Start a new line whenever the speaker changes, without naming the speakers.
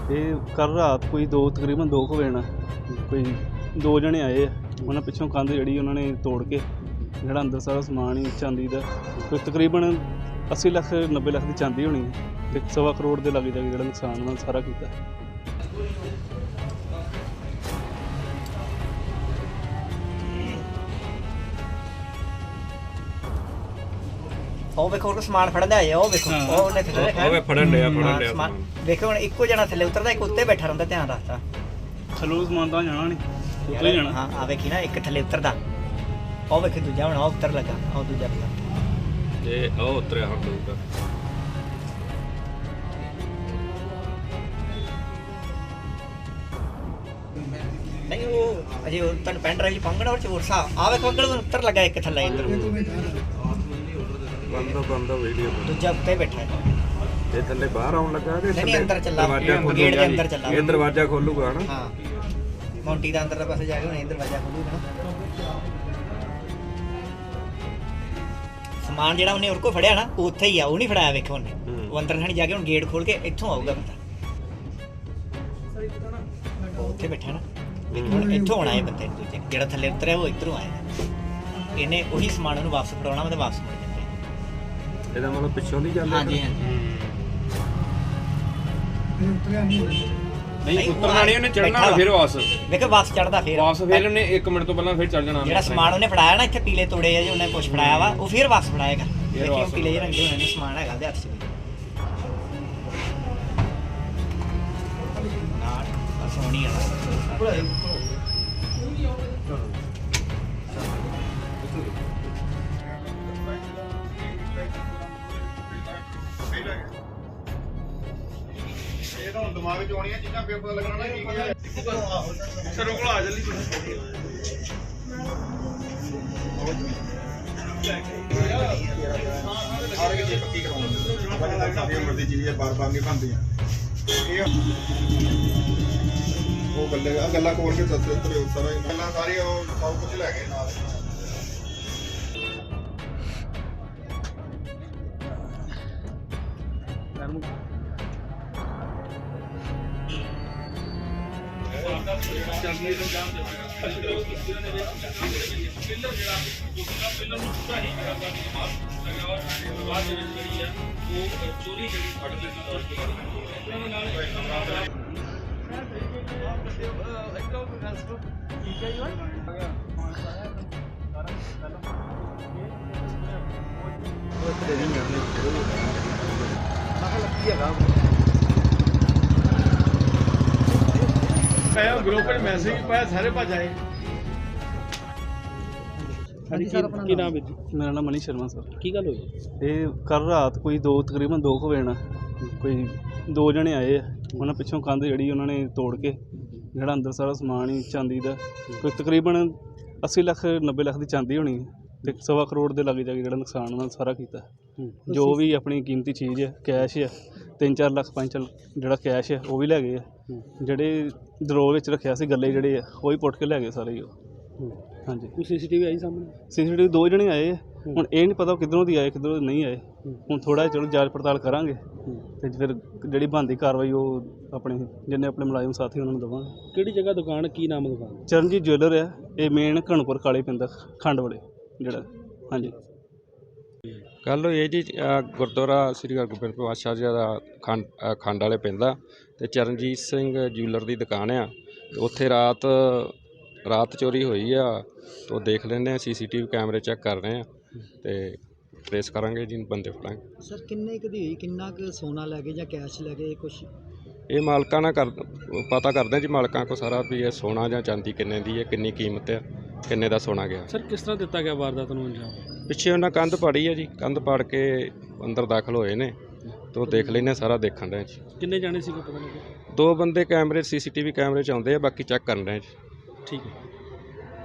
ਇਹ ਕੱਲ੍ਹ ਰਾਤ ਕੋਈ ਤਕਰੀਬਨ 2 ਵਜੇ ਨਾਲ ਕੋਈ 2 ਜਣੇ ਆਏ ਆ। ਉਹਨਾਂ ਪਿੱਛੋਂ ਕੰਧ ਜਿਹੜੀ ਉਹਨਾਂ ਨੇ ਤੋੜ ਕੇ ਜਿਹੜਾ ਅੰਦਰ ਸਾਰਾ ਸਮਾਨ ਹੀ ਚਾਂਦੀ ਦਾ ਕੋਈ ਤਕਰੀਬਨ 80 ਲੱਖ 90 ਲੱਖ ਦੀ ਚਾਂਦੀ ਹੋਣੀ ਤੇ 1.25 ਕਰੋੜ ਦੇ ਲਾਗੇ ਜਾ ਕੇ ਜਿਹੜਾ ਨੁਕਸਾਨ ਉਹਨਾਂ ਨੇ ਸਾਰਾ ਕੀਤਾ।
ਉਹ ਵੇਖੋ ਉਹ ਸਮਾਨ ਫੜਨ ਦੇ ਆਏ ਆ। ਉਹ ਵੇਖੋ ਉਹ ਉਹਨੇ ਥੱਲੇ ਰੱਖਿਆ।
ਉਹ ਫੜਨ ਡਿਆ
ਸਮਾਨ ਵੇਖੋ ਹੁਣ ਇੱਕੋ ਜਣਾ ਥੱਲੇ ਉਤਰਦਾ, ਇੱਕ ਉੱਤੇ ਬੈਠਾ ਰਹਿੰਦਾ, ਧਿਆਨ ਰੱਖਦਾ।
ਥੱਲੋਂ ਸਮਾਨ ਤਾਂ ਜਾਣਾ ਨਹੀਂ, ਉੱਤੇ ਹੀ ਜਾਣਾ।
ਹਾਂ ਆ ਵੇਖੀ ਨਾ, ਇੱਕ ਥੱਲੇ ਉਤਰਦਾ। ਉਹ ਵੇਖੀ ਦੂਜਾ ਹੁਣ ਉਹ ਉੱਤਰ ਲੱਗਾ, ਉਹ ਦੂਜਾ ਲੱਗਾ
ਤੇ ਉਹ ਉਤਰਿਆ ਹੁਣ ਦੂਜਾ।
ਨਹੀਂ ਉਹ ਅਜੇ ਉਹ ਤੁਹਾਨੂੰ ਪੈਨ ਡਰਾਈਵ ਪੰਗਣਾ ਔਰ ਚੋਰ ਸਾ ਆ ਵੇਖੋ ਅੰਕਲ ਉੱਤਰ ਲੱਗਾ ਇੱਕ ਥੱਲੇ ਇੱਧਰ।
ਬੰਦਾ ਵੀਡੀਓ
ਦੂਜਾ ਉੱਤੇ ਬੈਠਾ ਹੈ।
ਇਹ ਥੱਲੇ ਬਾਹਰ ਆਉਣ ਲੱਗਾ ਕਿ
ਨਹੀਂ ਅੰਦਰ ਚੱਲਾ,
ਦਰਵਾਜ਼ਾ
ਗੇਟ ਦੇ ਅੰਦਰ ਚੱਲਾ।
ਇਹ ਦਰਵਾਜ਼ਾ ਖੋਲੂਗਾ ਨਾ।
ਹਾਂ ਮੌਂਟੀ ਦਾ ਅੰਦਰ ਦਾ ਪਾਸੇ ਜਾ ਕੇ ਹੁਣ ਦਰਵਾਜ਼ਾ ਖੋਲੂਗਾ ਨਾ। ਸਮਾਨ ਜਿਹੜਾ ਉਹਨੇ ਹੋਰ ਕੋ ਫੜਿਆ ਨਾ ਉਹ ਉੱਥੇ ਹੀ ਆ, ਉਹ ਨਹੀਂ ਫੜਾਇਆ ਵੇਖੋ ਉਹਨੇ। ਉਹ ਅੰਦਰ ਥਾਣੀ ਜਾ ਕੇ ਹੁਣ ਗੇਟ ਖੋਲ ਕੇ ਇੱਥੋਂ ਆਊਗਾ ਬੰਦਾ। ਉਹ ਉੱਥੇ ਬੈਠਾ ਨਾ, ਵੇਖੋ ਹੁਣ ਇੱਥੋਂ ਆਉਣਾ ਇਹ ਬੰਦੇ ਨੂੰ। ਦੂਜੇ ਜਿਹੜਾ ਥੱਲੇ ਉਤਰਿਆ ਉਹ ਇੱਧਰੋਂ ਆਇਆ। ਇਹਨੇ ਉਹੀ ਸਮਾਨ ਉਹਨੂੰ ਵਾਪਸ ਫੜਾਉਣਾ, ਉਹਦੇ ਵਾਪਸ ਮੁੜ ਜਾਂਦੇ।
ਇਹਦਾ ਮਤਲਬ ਪਿੱਛੋਂ ਦੀ ਚੱਲ
ਹਾਂਜੀ ਹਾਂਜੀ
ਨਹੀਂ ਉਤਰਨਾ ਨਹੀਂ, ਉਹਨੇ ਚੜਨਾ ਫਿਰ ਵਾਪਸ
ਵੇਖੋ ਵਾਪਸ ਚੜਦਾ ਫਿਰ
ਉਹਨੇ 1 ਮਿੰਟ ਤੋਂ ਪਹਿਲਾਂ ਫਿਰ ਚੜ ਜਾਣਾ।
ਜਿਹੜਾ ਸਮਾਨ ਉਹਨੇ ਫੜਾਇਆ ਨਾ ਇੱਥੇ ਪੀਲੇ ਤੋੜੇ ਆ ਜੀ, ਉਹਨੇ ਕੁਛ ਫੜਾਇਆ ਵਾ, ਉਹ ਫਿਰ ਵਾਪਸ ਫੜਾਏਗਾ। ਦੇਖਿਓ ਪੀਲੇ ਜਿਹੇ ਰੰਗ ਦੇ ਹੋਣੇ ਨੇ ਸਮਾਨ ਹੈਗਾ ਉਹਦੇ ਹੱਥ 'ਚ। ਨਾ ਸੋਹਣੀ ਵਾਲਾ
ਇਹ ਤਾਂ ਹੁਣ ਦਿਮਾਗ 'ਚ ਆਉਣੀਆਂ ਚੀਜ਼ਾਂ ਫਿਰ ਪਤਾ ਲੱਗਣਾ ਨਾ ਕੀ ਹੈ। ਸਰੋਂ ਕੋਲ ਆ ਜਲਦੀ ਹਰ ਕਿਸੇ ਪੱਕੀ ਕਰਾਉਂਦੇ ਬਾਕੀ ਕਾਫੀ ਉਮਰ ਦੀ ਚੀਜ਼ ਹੈ, ਬਾਰ-ਬਾਰ ਨਹੀਂ ਬਣਦੀਆਂ। ਇਹ ਉਹ ਗੱਲਾਂ ਕੋਲ ਕੇ ਸੱਤੇ ਉੱਤੇ ਸਾਰਾ ਗੱਲਾਂ ਸਾਰੀ ਉਹ ਸਭ ਕੁਝ ਲੈ ਗਏ ਨਾਲ।
ਗਰੁੱਪ ਵਿੱਚ ਮੈਸੇਜ ਪਾਇਆ, ਸਾਰੇ ਭੱਜ ਆਏ।
ਕੀ ਨਾਮ ਹੈ ਜੀ? ਮੇਰਾ ਨਾਮ ਮਨੀ ਸ਼ਰਮਾ ਸਰ।
ਕੀ ਗੱਲ ਹੋਈ?
ਇਹ ਕੱਲ੍ਹ ਰਾਤ ਕੋਈ ਤਕਰੀਬਨ 2 ਵਜੇ ਨਾਲ ਕੋਈ 2 ਜਣੇ ਆਏ ਆ। ਉਹਨਾਂ ਪਿੱਛੋਂ ਕੰਧ ਜਿਹੜੀ ਉਹਨਾਂ ਨੇ ਤੋੜ ਕੇ ਜਿਹੜਾ ਅੰਦਰ ਸਾਰਾ ਸਮਾਨ ਹੀ ਚਾਂਦੀ ਦਾ ਕੋਈ ਤਕਰੀਬਨ 80 ਲੱਖ 90 ਲੱਖ ਦੀ ਚਾਂਦੀ ਹੋਣੀ ਤੇ 1.25 ਕਰੋੜ ਦੇ ਲਾਗੇ ਜਾ ਕੇ ਜਿਹੜਾ ਨੁਕਸਾਨ ਉਹਨਾਂ ਨੇ ਸਾਰਾ ਕੀਤਾ। ਜੋ ਵੀ ਆਪਣੀ ਕੀਮਤੀ ਚੀਜ਼ ਹੈ, ਕੈਸ਼ ਹੈ, 3-4 ਲੱਖ 5 ਜਿਹੜਾ ਕੈਸ਼ ਹੈ ਉਹ ਵੀ ਲੈ ਗਏ ਆ। ਜਿਹੜੇ ਦਰੋਹ ਵਿੱਚ ਰੱਖਿਆ ਸੀ ਗੱਲੇ ਜਿਹੜੇ ਆ ਉਹ ਵੀ ਪੁੱਟ ਕੇ ਲੈ ਗਏ ਸਾਰੇ ਹੀ ਉਹ। ਹਾਂਜੀ
ਕੋਈ ਸੀਸੀਟੀਵੀ ਆਈ ਸਾਹਮਣੇ?
ਸੀਸੀਟੀਵੀ 2 ਜਣੇ ਆਏ ਆ। ਹੁਣ ਇਹ ਨਹੀਂ ਪਤਾ ਕਿੱਧਰੋਂ ਦੀ ਆਏ ਕਿੱਧਰੋਂ ਦੀ ਨਹੀਂ ਆਏ। ਹੁਣ ਥੋੜ੍ਹਾ ਚਲੋ ਜਾਂਚ ਪੜਤਾਲ ਕਰਾਂਗੇ ਤੇ ਫਿਰ ਜਿਹੜੀ ਬਣਦੀ ਕਾਰਵਾਈ ਉਹ ਆਪਣੇ ਜਿੰਨੇ ਆਪਣੇ ਮੁਲਾਜ਼ਮ ਸਾਥੀ ਉਹਨਾਂ ਨੂੰ ਦੇਵਾਂਗੇ।
ਕਿਹੜੀ ਜਗ੍ਹਾ ਦੁਕਾਨ, ਕੀ ਨਾਮ ਦੁਕਾਨ?
ਚਰਨਜੀਤ ਜੁਐਲਰ ਆ ਇਹ, ਮੇਨ ਘਣਪੁਰ ਕਾਲੇ ਪਿੰਡ ਖੰਡ ਵਾਲੇ ਜਿਹੜਾ। ਹਾਂਜੀ
ਗੱਲ ਹੋਈ ਹੈ ਜੀ, ਗੁਰਦੁਆਰਾ ਸ੍ਰੀ ਹਰਗੋਬਿੰਦ ਪਾਤਸ਼ਾਹ ਜੀ ਦਾ ਖੰਡ ਵਾਲੇ ਪਿੰਡ ਆ ਤੇ ਚਰਨਜੀਤ ਸਿੰਘ ਜੂਲਰ ਦੀ ਦੁਕਾਨ ਆ। ਉੱਥੇ ਰਾਤ ਚੋਰੀ ਹੋਈ ਆ। ਤੋਂ ਦੇਖ ਲੈਂਦੇ ਆ, ਸੀਸੀਟੀਵੀ ਕੈਮਰੇ ਚੈੱਕ ਕਰ ਰਹੇ ਆ ਤੇ ਟ੍ਰੇਸ ਕਰਾਂਗੇ ਜੀ, ਬੰਦੇ ਫੜਾਂਗੇ।
ਸਰ ਕਿੰਨੇ ਕੁ ਦੀ ਹੋਈ, ਕਿੰਨਾ ਕੁ ਸੋਨਾ ਲੈ ਗਏ ਜਾਂ ਕੈਸ਼ ਲੈ ਗਏ ਕੁਛ?
ਇਹ ਮਾਲਕਾਂ ਨਾਲ ਪਤਾ ਕਰਦੇ ਜੀ, ਮਾਲਕਾਂ ਕੋ ਸਾਰਾ ਵੀ ਇਹ ਸੋਨਾ ਜਾਂ ਚਾਂਦੀ ਕਿੰਨੇ ਦੀ ਹੈ, ਕਿੰਨੀ ਕੀਮਤ ਹੈ, ਕਿੰਨੇ ਦਾ ਸੋਨਾ ਗਿਆ।
ਸਰ ਕਿਸ ਤਰ੍ਹਾਂ ਦਿੱਤਾ ਗਿਆ ਵਾਰਦਾਤ ਨੂੰ ਅੰਜਾਮ?
ਪਿੱਛੇ ਉਹਨਾਂ ਕੰਧ ਪਾੜੀ ਹੈ ਜੀ, ਕੰਧ ਪਾੜ ਕੇ ਅੰਦਰ ਦਾਖਲ ਹੋਏ ਨੇ। ਤੋਂ ਦੇਖ ਲੈਂਦੇ, ਸਾਰਾ ਦੇਖਣ ਰਹੇ ਜੀ।
ਕਿੰਨੇ ਜਾਣੇ ਸੀਗੇ ਪਤਾ ਲੱਗਿਆ?
2 ਬੰਦੇ ਕੈਮਰੇ ਸੀਸੀਟੀਵੀ ਕੈਮਰੇ 'ਚ ਆਉਂਦੇ ਆ, ਬਾਕੀ ਚੈੱਕ ਕਰਨ ਰਹੇ ਜੀ।
ਠੀਕ ਹੈ।